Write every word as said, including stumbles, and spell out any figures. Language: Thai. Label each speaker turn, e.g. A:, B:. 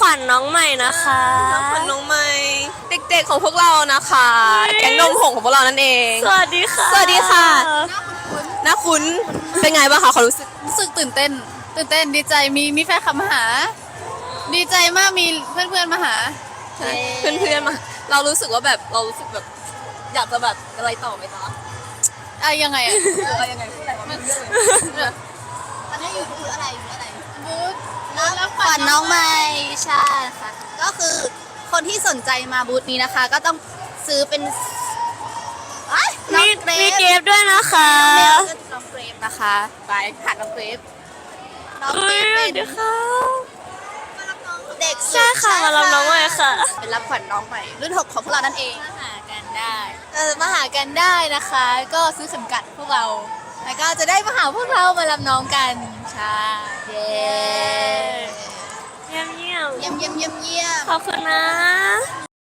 A: วัญน้องใหม่นะคะ
B: รับขวัญน้องใหม่เด็กๆของพวกเรานะคะแก๊งนมผงของพวกเรานั่นเอง
A: สวัสดีค่ะ
B: สวัสดีค่ะน้าคุ้นเป็นไงบ้างคะเขารู้สึก
C: รู้สึกตื่นเต้น ตื่นเต้นดีใจมีมีแฟนคลับมาหา ดีใจมากมีเพื่อนๆมาหา
B: เพื่อนๆมาเรารู้สึกว่าแบบเรารู้สึกแบบอยากจะแบบอะไรต่อไหมจ๊ะ
C: อะยังไงอะ
B: อะไรยังไงพูดอะไรมันเยอะเลย
D: ตอนนี้อยู่บูธอะไรบูธอะไร
C: บูธ
D: รับขวัญน้องใหม่ใช่ค่ะก็คือคนที่สนใจมาบูธนี้นะคะ ก็ต้องซื้อเป็นเอ้ยน้อ
A: มี
D: งเกร
A: มี
D: ฟ
A: เกฟด้วยนะคะ
D: น้องเกรฟนะคะไปผ่านน้องเกรฟน้อง
A: เฮ้
D: เกร
A: ย
D: ฟ
A: เดี๋
D: เป็
A: ยวน ค่ะ
D: เด็กสุด
A: ใช่ค่ะมารับน้องใหม่ค่ะ
D: เป็นรับขวัญน้องใหม่รุ่นหกของพวกเรานั่นเอง
C: มาหากันได้เออมาหากันได้นะคะ ก็ซื้อเข็มกัดพวกเรา แล้วก็จะได้มาหาพวกเรามารับน้องกันใช่
D: เย้
A: เยี่ยมเยี่ยม
D: เยี่ยมเยี่ยมเยี่ยมเยี่ยม
A: ขอบคุณนะ